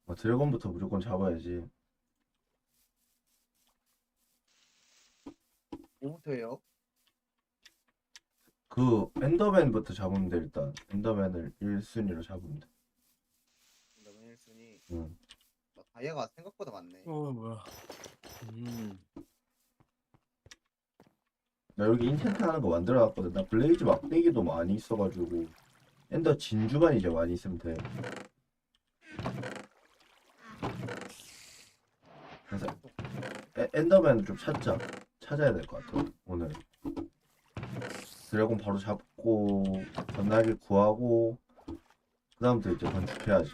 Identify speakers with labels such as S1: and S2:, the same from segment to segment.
S1: 드래곤부터 무조건 잡아야지.
S2: 뭐부터예요?
S1: 그 엔더맨부터 잡으면 돼. 일단 엔더맨을 1순위로 잡으면 돼.
S2: 그다음에 1순위.
S1: 응.
S2: 다이아가 생각보다 많네.
S3: 뭐야.
S1: 나 여기 인챈트 하는 거 만들어놨거든. 나 블레이즈 막대기도 많이 있어가지고 엔더 진주만 이제 많이 있으면 돼. 그래서 엔더맨을 좀 찾아야 될 것 같아 오늘. 드래곤 바로 잡고 건날개 구하고 그 다음부터 이제 건축해야지.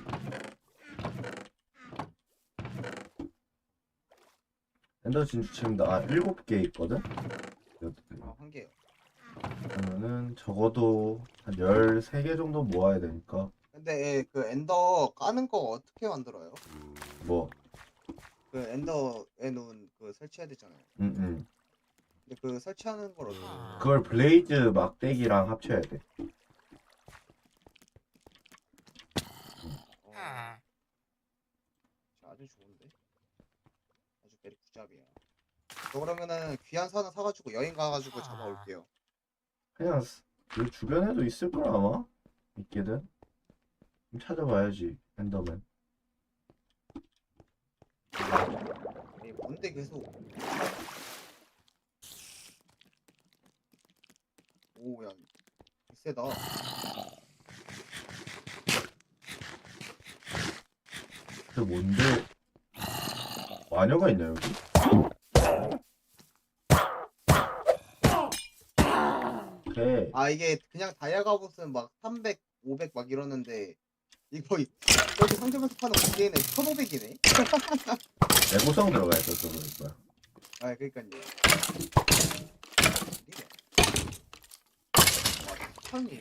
S1: 엔더 진주 지금 나 7개 있거든?
S2: 한 개요.
S1: 그러면은 적어도 한 13개 정도 모아야 되니까.
S2: 근데 그 엔더 까는 거 어떻게 만들어요?
S1: 뭐
S2: 그 엔더에 놓은 그 설치해야 되잖아요.
S1: 응.
S2: 근데 그 설치하는 걸 어떻게 해요?
S1: 그걸 블레이즈 막대기랑 합쳐야 돼.
S2: 어, 아주 좋은데? 아주 베리 굿잡이야. 저 그러면은 귀한 산을 사가지고 여행 가가지고 잡아올게요.
S1: 그냥 그 주변에도 있을 걸 아마? 있게든 좀 찾아봐야지. 엔더맨.
S2: 에이, 뭔데 계속. 오, 야, 세다.
S1: 그 뭔데 마녀가 있냐 여기? 오케이.
S2: 아, 이게 그냥 다이아 갑옷은 막 300, 500 막 이러는데 이거 여기 상점에서 파는 무게는 1,500이네.
S1: 내구성 들어가 있어서 그럴 거야.
S2: 아, 그러니까요. 와, 천이.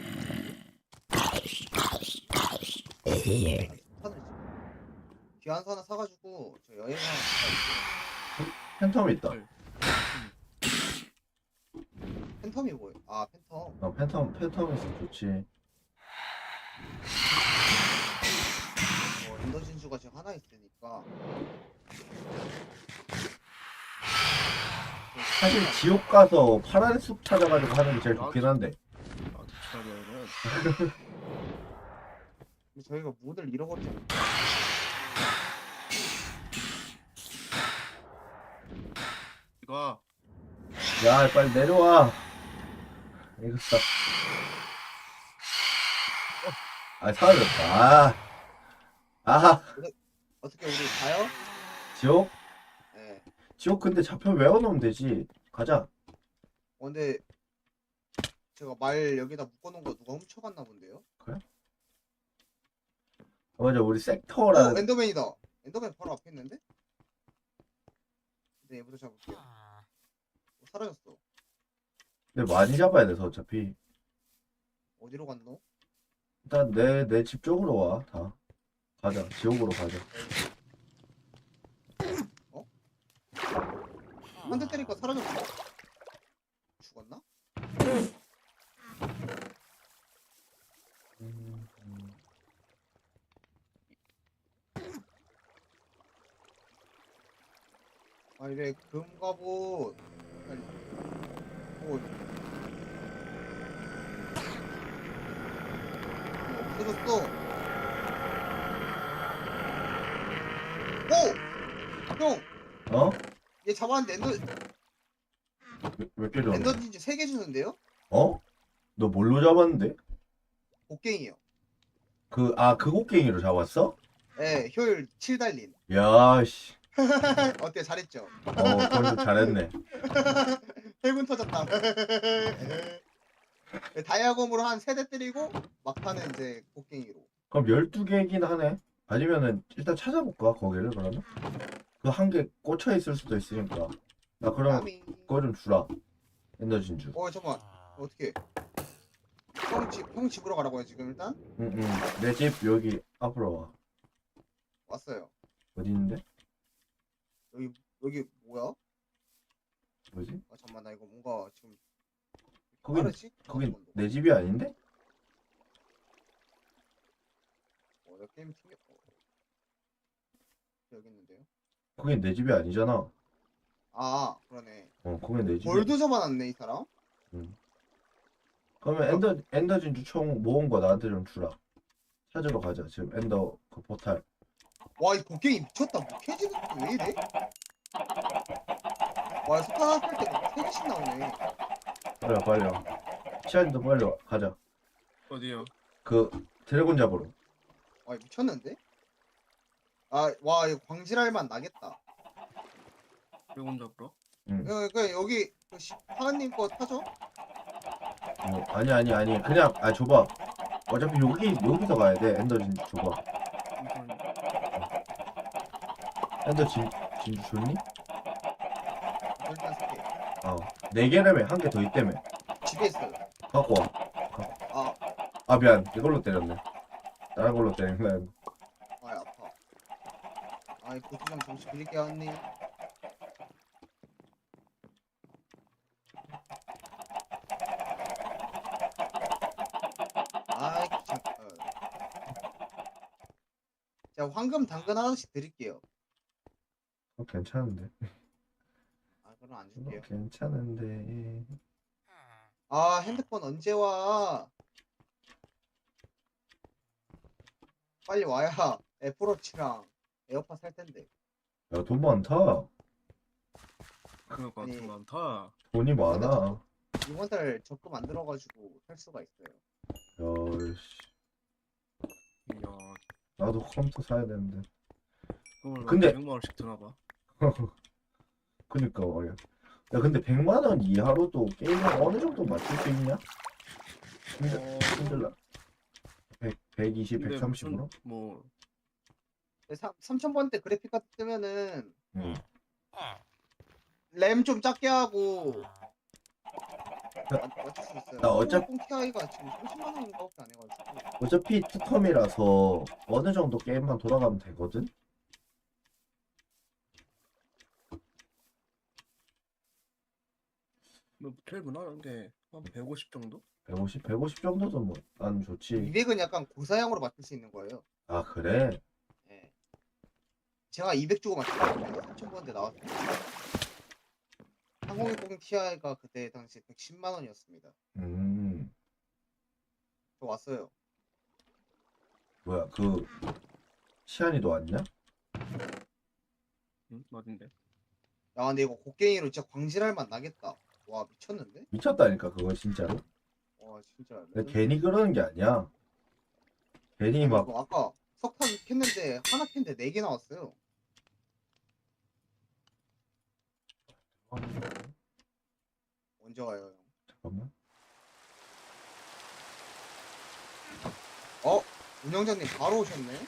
S2: 천을 귀한 거 하나 사가지고 저 여행 하나 갔다
S1: 팬텀 있다.
S2: 올게요. 팬텀이 뭐예요? 아, 팬텀.
S1: 팬텀 있으면 좋지.
S2: 엔더 진주가 지금 하나 있으니까.
S1: 사실 지옥 가서 파란 숲 찾아가지고 하는 게 제일 좋긴 한데.
S3: 나도 찾아내는.
S2: 근데 저희가 모델 잃어버리잖아요.
S3: 이거
S1: 야 빨리 내려와. 이거 딱. 사라졌다. 아
S2: 어떻게 우리 가요?
S1: 지옥?
S2: 네.
S1: 지옥 근데 좌표 외워놓으면 되지. 가자.
S2: 근데 제가 말 여기다 묶어놓은 거 누가 훔쳐갔나 본데요?
S1: 맞아 우리 섹터라는.
S2: 엔더맨이다. 엔더맨 바로 앞에 있는데? 네, 얘부터 잡을게요. 사라졌어.
S1: 근데 많이 잡아야 돼서 어차피.
S2: 어디로 갔노?
S1: 일단 내 집 쪽으로 와. 다. 가자. 지옥으로 가자.
S2: 어? 한 대 때리니까 사라졌어. 죽었나? 아, 이래 금갑옷. 빨리. 오, 없어졌어. 오! 형!
S1: 어?
S2: 얘 잡았는데
S1: 몇개 줬는데?
S2: 엔더 진주 3개 주는데요?
S1: 어? 너 뭘로 잡았는데?
S2: 곡괭이요.
S1: 그 곡괭이로 잡았어?
S2: 예, 효율 7 달린.
S1: 야, 씨.
S2: 어때? 잘했죠?
S1: 그건 좀 잘했네.
S2: 해군 터졌다. 다이아검으로 한 3대 때리고 막타는 이제 곡괭이로.
S1: 그럼 12개긴 하네. 아니면은 일단 찾아볼까, 거기를 그러면? 그 한 개 꽂혀 있을 수도 있으니까. 나 그럼
S2: 야미.
S1: 그거 좀 주라. 엔더 진주.
S2: 잠깐만. 어떻게? 형 집으로 가라고요 지금 일단?
S1: 응. 내 집 여기 앞으로 와.
S2: 왔어요.
S1: 어디 있는데?
S2: 여기 뭐야?
S1: 뭐지?
S2: 아 잠만 나 이거 뭔가 지금
S1: 거긴
S2: 빠르지?
S1: 거긴
S2: 잠깐만.
S1: 내 집이 아닌데?
S2: 나 게임 튕겨. 여기 있는데요.
S1: 거긴 내 집이 아니잖아.
S2: 아, 그러네.
S1: 거긴 내 집이.
S2: 골드 접어놨네 이 사람.
S1: 응. 그러면 엔더 진주 총 모은 거 나한테 좀 주라. 찾으러 가자. 지금 엔더 그 포탈.
S2: 와, 이 곡괭이 미쳤다. 뭐 캐지는 왜 이래? 와, 석탄 할때뭐 3개씩 나오네.
S1: 그래 빨리 와. 시안이도 빨리 와. 가자.
S3: 어디요?
S1: 그 드래곤 잡으러.
S2: 와, 미쳤는데? 아, 와, 이거 광질할 맛 나겠다.
S3: 드래곤 잡으러?
S2: 여기 하은님 거 타죠?
S1: 아니 그냥 줘봐. 어차피 여기서 가야 돼. 엔더 진주 줘봐.
S3: 잠시만요.
S1: 엔더 진주 줬니?
S2: 일단 3개.
S1: 네 개라며. 한 개 더 있다며.
S2: 집에 있어요.
S1: 갖고 와.
S2: 아,
S1: 미안. 이걸로 때렸네. 다른 걸로 때린 거야.
S2: 아, 아파. 아, 이 고추장 잠시 빌릴게요, 하은님. 아이, 귀찮. 제가 황금 당근 하나씩 드릴게요.
S1: 괜찮은데.
S2: 아, 그럼 안 줄게요.
S1: 괜찮은데.
S2: 아, 핸드폰 언제 와? 빨리 와야 애플워치랑 에어팟 살 텐데.
S1: 야, 돈 많다.
S3: 그러니까
S2: 아니,
S3: 돈 많다.
S1: 돈이 많아.
S2: 이번 달 적금 안 들어가지고 살 수가 있어요.
S1: 야, 씨.
S3: 이야,
S1: 나도 컴퓨터 사야 되는데.
S3: 그걸
S1: 근데-
S3: 100만 원씩 드나 봐.
S1: 그니까 말이야. 야, 근데 100만 원 이하로도 게임을 어느 정도 맞출 수 있냐? 힘들라. 120,
S3: 근데
S1: 130으로?
S3: 무슨 뭐
S2: 3000번대 그래픽 카드 뜨면은
S1: 응.
S2: 램 좀 작게 하고 맞출 수 있어요.
S1: 나 어차피-
S2: TI가 지금 30만 원인가밖에 안 해가지고.
S1: 어차피 투텀이라서 어느 정도 게임만 돌아가면 되거든?
S3: 뭐 제일 무난한 게한 150 정도?
S1: 150 정도도 뭐, 난 좋지.
S2: 200은 약간 고사양으로 맞출 수 있는 거예요.
S1: 아, 그래?
S2: 예. 제가 200 주고 맞췄거든요. 3000번대 나왔어요. 3060 Ti가 그때 당시 110만 원이었습니다. 저 왔어요.
S1: 뭐야, 시안이도 왔냐?
S3: 응? 어딘데?
S2: 야, 근데 이거 곡괭이로 진짜 광질할 맛 나겠다. 와, 미쳤는데?
S1: 미쳤다니까, 그거 진짜로.
S2: 와, 진짜.
S1: 근데 괜히 그러는 게 아니야. 괜히 막,
S2: 이거 아까 석탄 캤는데 하나 캤는데 4개 나왔어요. 언제 와요, 형?
S1: 잠깐만.
S2: 운영자님 바로 오셨네?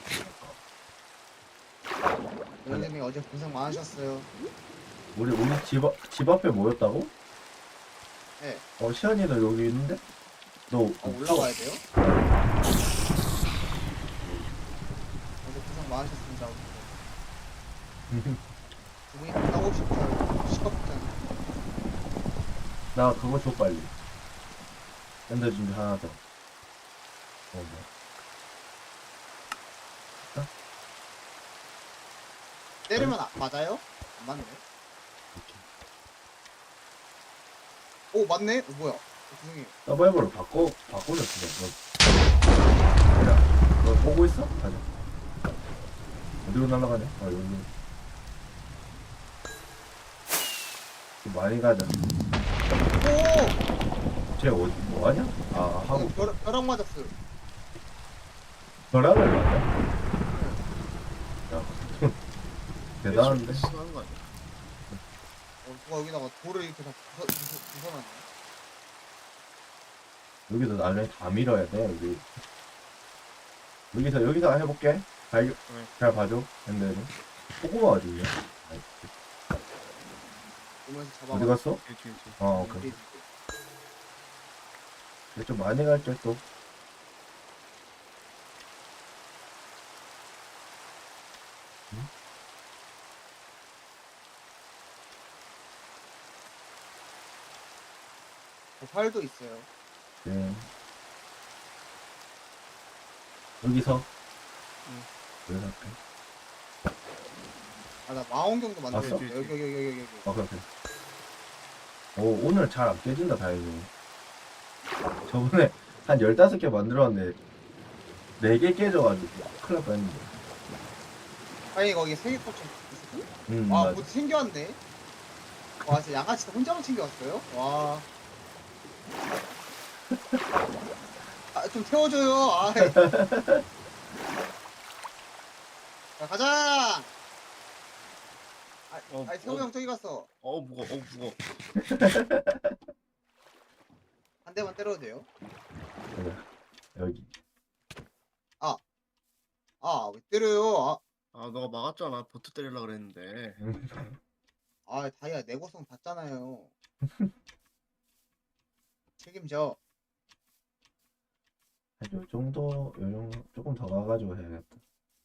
S2: 운영자님 어제 고생 많으셨어요.
S1: 우리 집 앞에 모였다고?
S2: 네.
S1: 시안이도 여기 있는데? 너,
S2: 올라가야 돼요? 어제 고생 많으셨습니다. 두 분이 하고 싶어요. 시끄럽잖아.
S1: 나 그거 줘, 빨리. 엔더 진주 하나 더. 뭐.
S2: 때리면 맞아요? 안 맞네. 오, 맞네? 뭐야? 죄송해요.
S1: 서바이벌을 바꾸자, 그냥. 야, 너 보고 있어? 가자. 어디로 날아가냐? 여기. 좀 많이 가자.
S2: 오!
S1: 쟤 어디, 뭐 하냐? 하고.
S2: 벼락 맞았어요.
S1: 벼락을 맞아? 야, 대단한데?
S3: 심한 거 아니야?
S2: 누가 여기다가 돌을 이렇게 다 부숴놨네.
S1: 여기서 나중에 다 밀어야 돼, 여기. 여기서 해볼게. 잘 봐줘, 핸들은. 고구마 어디냐?
S2: 오면서 잡아.
S1: 어디 갔어?
S3: 뒤에.
S1: 오케이. 근데 좀 많이 갈게, 또.
S2: 활도 있어요.
S1: 네. 여기서.
S3: 응.
S1: 여기서 할게.
S2: 나 망원경도 만들어야
S1: 봤어?
S2: 돼. 여기.
S1: 아 그렇게. 오 오늘 잘 안 깨진다 다행히. 저번에 한 15개 만들었는데 4개 깨져가지고 큰일 날 뻔했는데.
S2: 아니 거기 세계컵 좀 있었어? 와,
S1: 맞아.
S2: 모두 챙겨왔네. 와, 진짜 양아치 혼자만 챙겨왔어요? 와. 좀 태워줘요. 아이. 자, 가자! 아이, 태호 형 저기 갔어.
S3: 무거워. 무거워.
S2: 한 대만 때려도 돼요?
S1: 그래. 여기.
S2: 왜 때려요?
S3: 너가 막았잖아. 보트 때리려고 그랬는데.
S2: 다이아 내고성 봤잖아요. 책임져.
S1: 요 정도 조금 더 가가지고 해야겠다.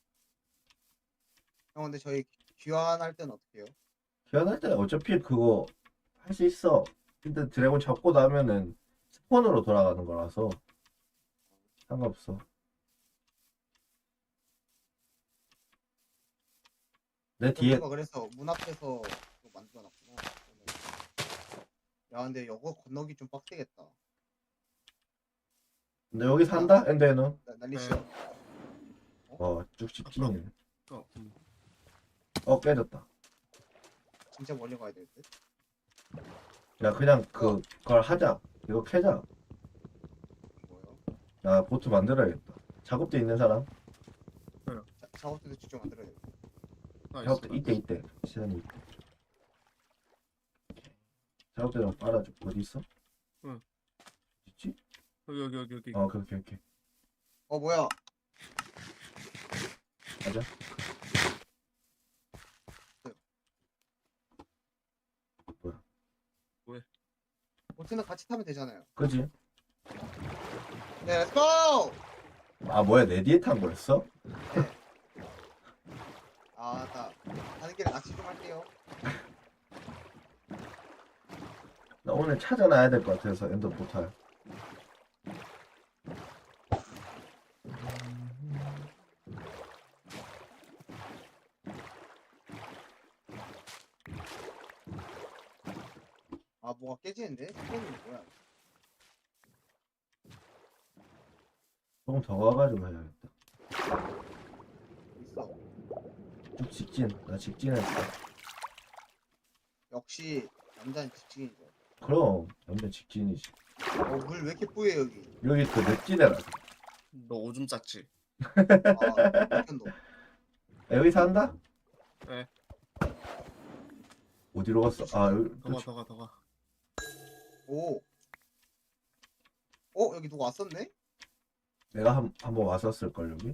S2: 형, 근데 저희 귀환할 때는 어떻게 해요?
S1: 귀환할 때 어차피 그거 할 수 있어. 근데 드래곤 잡고 나면은 스폰으로 돌아가는 거라서 상관없어. 내 뒤에
S2: 가 그래서 문 앞에서 그거 만들어놨구나. 야, 근데 이거 건너기 좀 빡세겠다.
S1: 너 여기 산다? 엔더에는
S2: 난리치요.
S1: 쭉 직진이네.
S3: 음.
S1: 깨졌다.
S2: 진짜 멀리 가야 될 듯.
S1: 야 그냥 그걸 하자. 이거 캐자.
S2: 뭐요?
S1: 나 보트 만들어야겠다. 작업대 있는 사람?
S2: 작업대도 직접 만들어야 돼.
S1: 작업대 이때 시간이 있대. 작업대 좀 빨아줘. 어디 있어?
S3: 응.
S1: 있지?
S3: 여기.
S1: 오케이.
S2: 뭐야?
S1: 가자.
S2: 보트는 같이 타면 되잖아요.
S1: 그지?
S2: 네, 렛츠고!
S1: 아 뭐야 내 뒤에 탄 거였어?
S2: 가는 길에 낚시 좀 할게요.
S1: 나 오늘 찾아놔야 될 것 같아서 엔더 포탈.
S2: 뭐가 깨지는데? 스폰이 뭐야?
S1: 조금 더 가가지고 해야겠다.
S2: 있어.
S1: 쭉 직진. 나 직진했어.
S2: 역시 남자는 집중이죠.
S1: 그럼 완전 직진이지.
S2: 물 왜 이렇게 뿌예 여기?
S1: 여기 그 늪지대라.
S3: 너 오줌 쌌지?
S2: 백현도.
S1: 여기 산다?
S3: 네.
S1: 어디로 갔어? 여기
S3: 더 가.
S2: 오. 여기 누가 왔었네?
S1: 내가 한번 왔었을 걸 여기.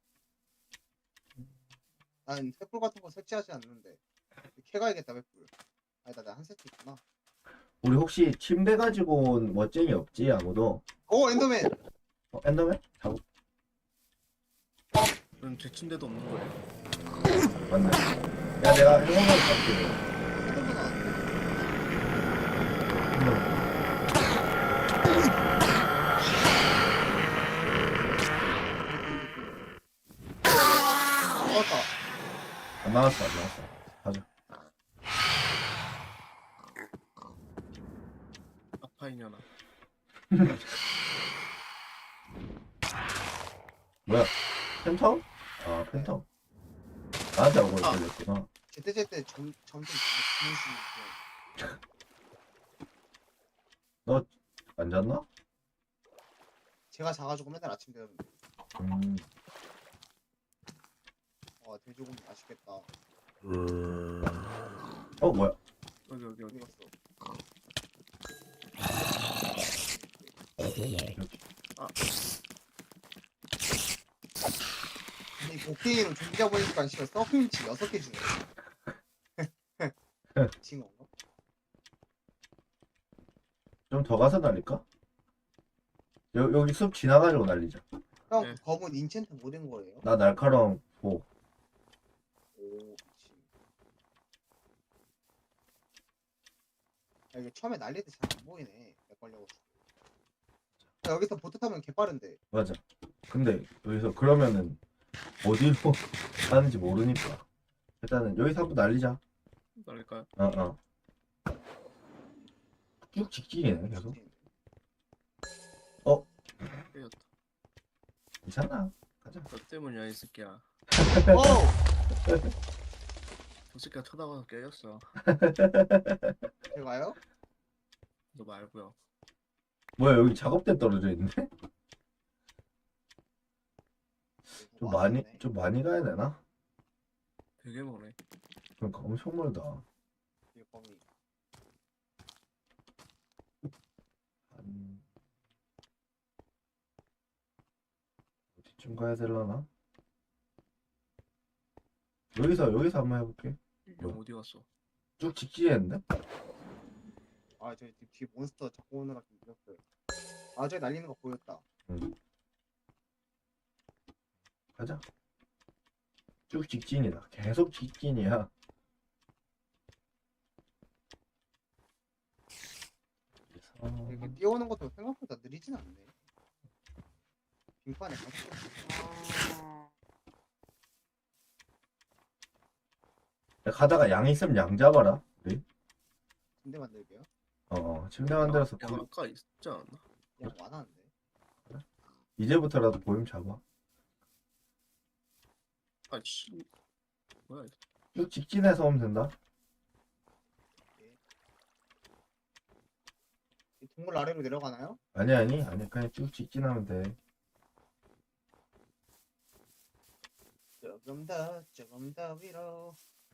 S2: 난 횃불 같은 거 설치하지 않는데. 캐가야겠다 횃불. 아니다, 나 한 세트 있구나.
S1: 우리 혹시 침대 가지고 온 멋쟁이 없지 아무도?
S2: 엔더맨.
S1: 엔더맨? 작업
S3: 제 침대도 없는 거예요.
S1: 맞네. 야 내가 행운을 갈게.
S2: 엔더맨 나왔는데. 나왔다.
S1: 안 나왔어. 가자.
S3: 아파이냐나.
S1: 뭐야? 팬텀? 팬텀. 나한테 얼굴 걸렸구나.
S2: 제때 점점 주무시고.
S1: 안 잤나?
S2: 제가 자가지고 맨날 아침 되는데. 돼지고기 맛있겠다.
S1: 뭐야?
S3: 여기.
S2: 어디 갔어? 이 곡괭이로 조기자 보니까 씨발 서핑치 6개 주네. 징어인가?
S1: 좀 더 가서 날릴까? 여기 숲 지나가지고 날리자.
S2: 형,
S3: 네.
S2: 검은 인챈트 못 된 거예요?
S1: 나 날카로운 보.
S2: 오, 그치. 이게 처음에 날릴 때 잘 안 보이네. 렉 걸려가지고. 여기서 보트 타면 개빠른데.
S1: 맞아. 근데 여기서 그러면은 어디로 가는지 모르니까. 일단은 여기서 한번 날리자.
S3: 날릴까요?
S1: 어어. 쭉 직진이네 계속.
S3: 깨졌다.
S1: 괜찮아. 가자.
S3: 너 때문이야 이 새끼야.
S2: 오!
S3: 저 새끼가 쳐다봐서 깨졌어.
S2: 제가요?
S3: 너 말고요.
S1: 뭐야 여기 작업대 떨어져 있는데? 좀
S2: 누가
S1: 많이
S2: 왔네.
S1: 좀 많이 가야 되나?
S3: 되게 머네.
S1: 그러니까 엄청 멀다.
S2: 뒤에 범위.
S1: 한 어디쯤 가야 되려나? 여기서 한번 해볼게.
S3: 형 어디 갔어?
S1: 쭉 직진했는데?
S2: 아, 저기 뒤에 몬스터 잡고 오느라 좀 늦었어요. 아, 저기 날리는 거 보였다.
S1: 응. 가자. 쭉 직진이다. 계속 직진이야. 그래서
S2: 이렇게 뛰어오는 것도 생각보다 느리진 않네. 빙판에 가서
S1: 가다가 양 있으면 양 잡아라. 우리.
S2: 침대 만들게요.
S1: 침대 만들어서
S3: 야, 아까 있지 않았나?
S2: 그냥 많았는데.
S1: 이제부터라도 보임 잡아.
S3: 아씨. 뭐야 이거?
S1: 쭉 직진해서 오면 된다.
S2: 이 동굴 아래로 내려가나요?
S1: 아니 그냥 쭉 직진하면 돼.
S2: 조금 더 위로.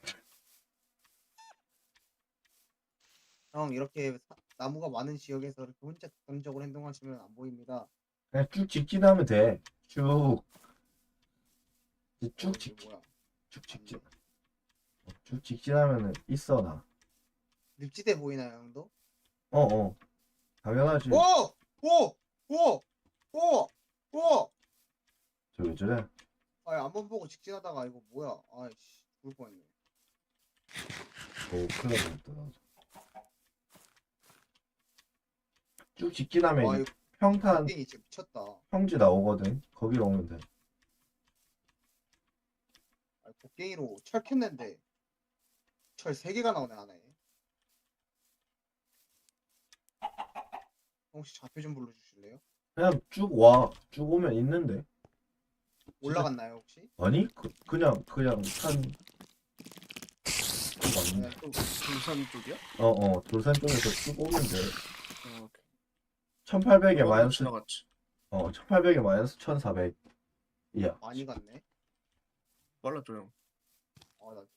S2: 형, 이렇게 나무가 많은 지역에서 이렇게 혼자 독단적으로 행동하시면 안 보입니다.
S1: 그냥 쭉 직진하면 돼. 쭉. 이제 쭉
S2: 이게
S1: 직진.
S2: 뭐야?
S1: 쭉 직진. 쭉 직진하면은 있어 나.
S2: 늪지대 보이나요, 형도?
S1: 당연하지.
S2: 오! 오! 오! 오! 오!
S1: 저 왜 저래?
S2: 아니, 안만 보고 직진하다가 이거 뭐야? 아이씨, 죽을 뻔했네.
S1: 오, 큰일 났다. 나도. 쭉 직진하면
S2: 와,
S1: 이제
S2: 이거
S1: 평탄
S2: 빙이 진짜 미쳤다.
S1: 평지 나오거든. 거기로 오면 돼.
S2: 아, 곡괭이로 철 캤는데 철 3개가 나오네, 안에. 혹시 좌표 좀 불러주실래요?
S1: 그냥 쭉 와. 쭉 오면 있는데.
S2: 올라갔나요, 혹시?
S1: 아니? 그냥 산.
S2: 네, 또
S3: 등산 쪽이야?
S1: 돌산 쪽에서 쭉 오면 돼.
S3: 오케이.
S1: 1800에
S3: 어,
S1: 마이너스,
S3: 지나갔지.
S1: 1800에 마이너스 1400. 이야.
S2: 많이 갔네.
S3: 빨라져 형.
S2: 아, 나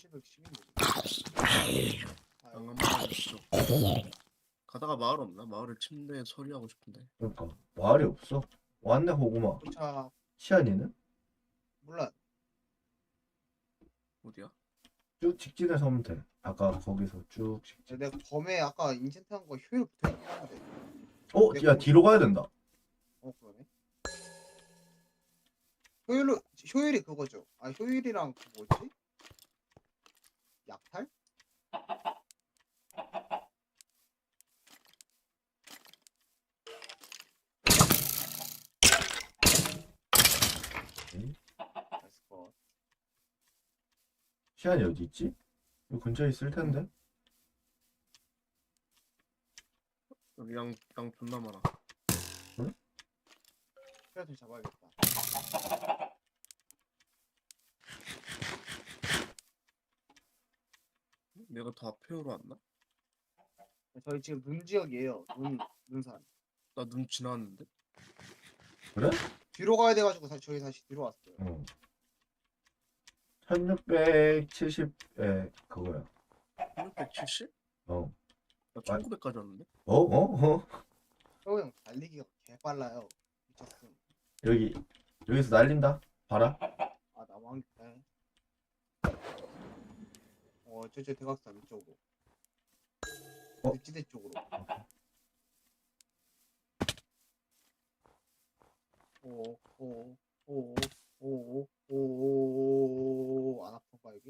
S2: 1710인데.
S3: 양감 빨라졌어. 가다가 마을 없나? 마을을 침대에 처리하고 싶은데.
S1: 그러니까 말이 없어. 왔네 호구마.
S2: 도착.
S1: 시안이는?
S2: 몰라.
S3: 어디야?
S1: 쭉 직진해서 오면 돼. 아까 거기서 쭉 직진.
S2: 내가 검에 아까 인챈트 한 거 효율 붙어있긴 한데.
S1: 야 뒤로 가야 된다.
S2: 그러네. 효율이 그거죠. 아, 효율이랑 그 뭐지? 약탈? 나이스 컷.
S1: 시안이 어디 있지? 이 근처에 있을 텐데.
S3: 여기 양 존나 많아.
S2: 스크래터 잡아야겠다.
S3: 내가 다 앞에로 왔나?
S2: 저희 지금 눈 지역이에요. 눈산.
S3: 나 눈 지나왔는데?
S1: 그래?
S2: 뒤로 가야 돼가지고 저희 다시 뒤로 왔어요.
S1: 1670에 그거야.
S3: 1670?
S1: 어.
S3: 나 1900까지 왔는데?
S1: 어?
S2: 형, 형 달리기가 개 빨라요. 미쳤음.
S1: 여기서 날린다. 봐라.
S2: 아, 나만 개. 저쪽 대각선 이쪽으로. 늪지대 쪽으로. 오, 안 아픈가 여기?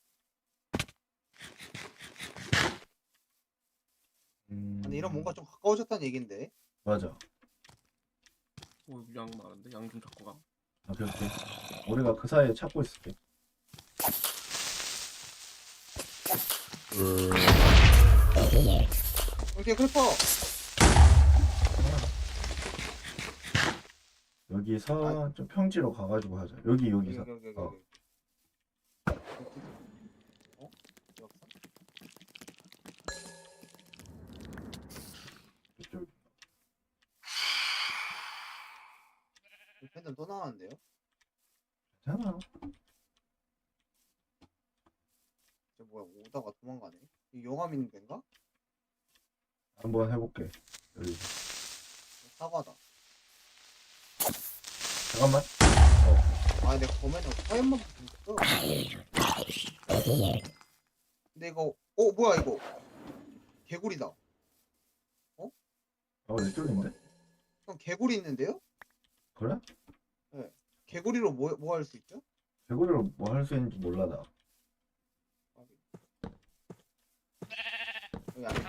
S2: 아니 이런 뭔가 좀 가까워졌다는 얘긴데.
S1: 맞아.
S3: 여기 양 많은데? 양 좀 잡고 가.
S1: 오케이. 우리가 그 사이에 찾고 있을게.
S2: 오케이 클리퍼.
S1: 여기서 좀 평지로 가가지고 하자. 여기서.
S2: 여기.
S1: 어.
S2: 어? 여기서?
S1: 이쪽.
S2: 팬덤 또 나왔는데요?
S1: 괜찮아.
S2: 저 뭐야 오다가 도망가네. 이 용암 있는 데인가?
S1: 한번 해볼게. 여기.
S2: 사과다.
S1: 잠깐만.
S2: 아 내가 검에는 화염만 붙었어. 근데 이거 뭐야 이거 개구리다.
S1: 이쪽인데?
S2: 형 개구리 있는데요?
S1: 그래?
S2: 개구리로 뭐 할 수 있죠?
S1: 개구리로 뭐 할 수 있는지 몰라 나.
S2: 여기 안에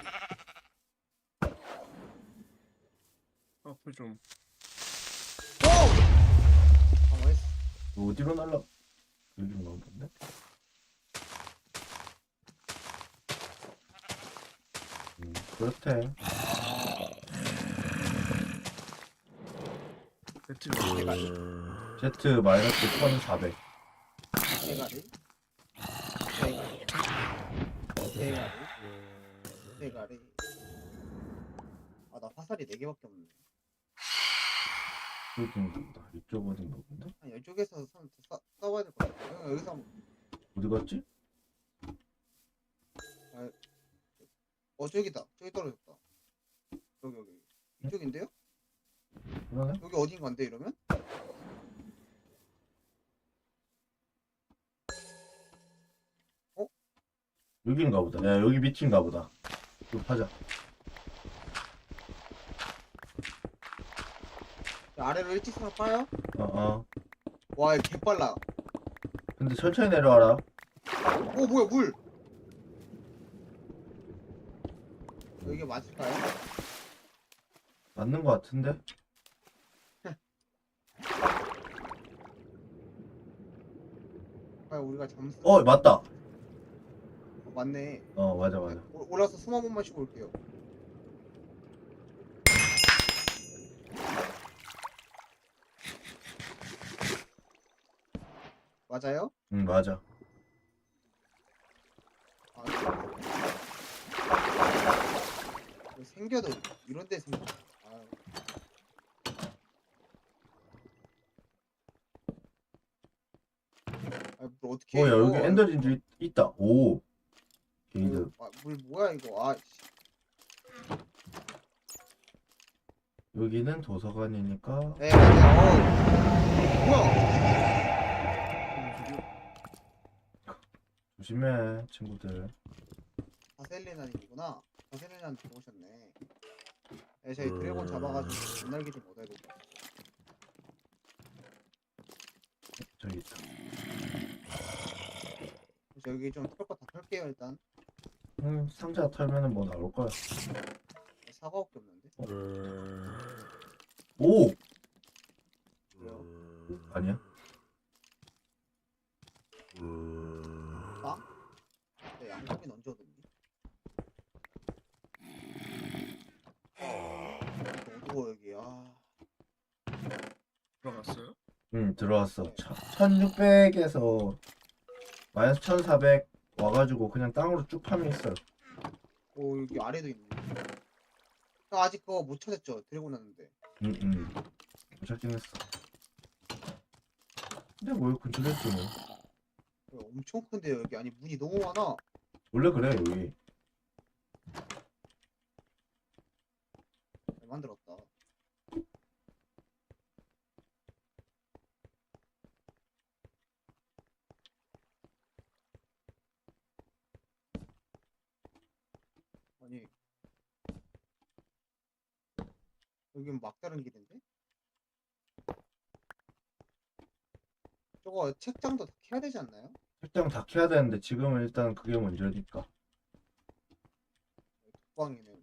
S3: 앞을 좀.
S2: 오! 당황했어.
S1: 어디로 날라? 여기인가 본데? 그렇대.
S3: 배트
S1: Z 마이너스 1400.
S2: 대가리 대가리. 아 나 화살이 4개밖에 없네.
S1: 이쪽인가 보다. 이쪽 어딘가 본데?
S2: 아니 이쪽에서 싸워야 될 것 같아. 형 여기서 한번
S1: 어디 갔지?
S2: 저기다. 저기 떨어졌다. 여기 이쪽인데요?
S1: 그러네?
S2: 여기 어딘가인데 이러면?
S1: 여기인가 보다. 야, 여기 밑인가 보다. 좀 하자.
S2: 아래로 일직선을 파요?
S1: 어.
S2: 와, 이거 개빨라.
S1: 근데 천천히 내려와라.
S2: 오, 뭐야, 물! 이게 맞을까요?
S1: 맞는 거 같은데?
S2: 아, 우리가 잠수.
S1: 맞다.
S2: 맞네.
S1: 맞아.
S2: 올라서 숨 한 번만 쉬고 올게요. 맞아요?
S1: 응, 맞아.
S2: 아, 이거 생겨도 이런 데 생겨. 아, 물 어떻게
S1: 야, 여기 엔더진주 있다. 오. 게이드.
S2: 물 뭐야 이거? 아, 씨.
S1: 여기는 도서관이니까.
S2: 네, 맞아요. 뭐야?
S1: 조심해, 친구들.
S2: 바셀리나님이구나. 바셀리나님 들어오셨네. 네, 저희 드래곤 잡아가지고 눈날기 좀 얻어야겠다.
S1: 저기 있다.
S2: 그래서 여기 좀 털 거 다 털게요 일단.
S1: 상자 털면은 뭐 나올 거야.
S2: 사과밖에 없는데.
S1: 오!
S2: 왜요?
S1: 아니야?
S2: 빵? 네, 양고기 언제 얻었니? 어두워 여기. 아,
S3: 들어갔어요?
S1: 응, 들어왔어. 1600에서 마이너스 1400 와가지고 그냥 땅으로 쭉 파면 있어요.
S2: 오 여기 아래도 있네. 형 아직 그거 못 찾았죠? 드래곤 왔는데.
S1: 응. 못 찾긴 했어. 근데 뭐 근처에 있지 뭐.
S2: 엄청 큰데요 여기. 아니 문이 너무 많아.
S1: 원래 그래, 여기.
S2: 잘 만들었다. 아니 여긴 막다른 길인데? 저거 책장도 다 켜야 되지 않나요?
S1: 책장 다 켜야 되는데 지금은 일단 그게 문제니까.
S2: 독방이네.